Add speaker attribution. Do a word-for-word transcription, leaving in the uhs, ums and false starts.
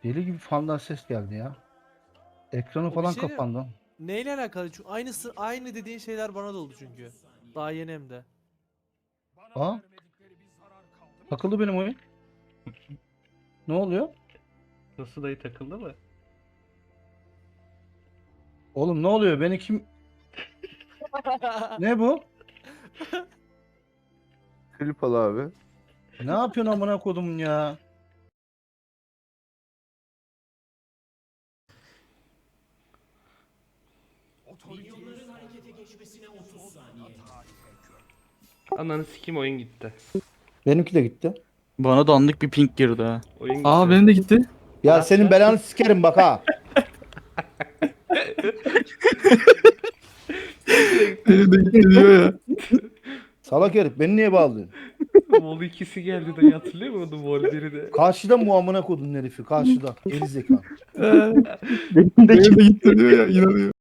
Speaker 1: Deli gibi fandan ses geldi ya. Ekranı
Speaker 2: O bir
Speaker 1: falan
Speaker 2: şey mi?
Speaker 1: kapandı.
Speaker 2: Neyle alakalı? Çünkü aynısı aynı dediğin şeyler bana da oldu çünkü. Daha yeni hem de.
Speaker 1: Aa, takıldı benim oyun. Ne oluyor?
Speaker 3: Nasıl dayı, takıldı mı?
Speaker 1: Oğlum ne oluyor? Beni kim... Ne bu?
Speaker 4: Klip al abi.
Speaker 1: Ne yapıyorsun amına kodumun ya?
Speaker 3: Ananı sikim, oyun gitti.
Speaker 1: Benimki de gitti.
Speaker 5: Bana da anlık bir ping girdi ha.
Speaker 3: Oyun gitti.
Speaker 5: Aa benim de gitti.
Speaker 1: Ya
Speaker 3: Ne
Speaker 1: senin
Speaker 3: yapacağız?
Speaker 1: belanı sikerim bak ha.
Speaker 5: Benim de gitti diyor ya.
Speaker 1: Salak herif beni niye bağlıyorsun?
Speaker 3: Vol ikisi geldi dayı, hatırlıyor musun? Vol biri de.
Speaker 1: Karşıda mı amına kodun herifi? Karşıda. Geri zekalı.
Speaker 5: Benim de gitti diyor ya, inanıyor.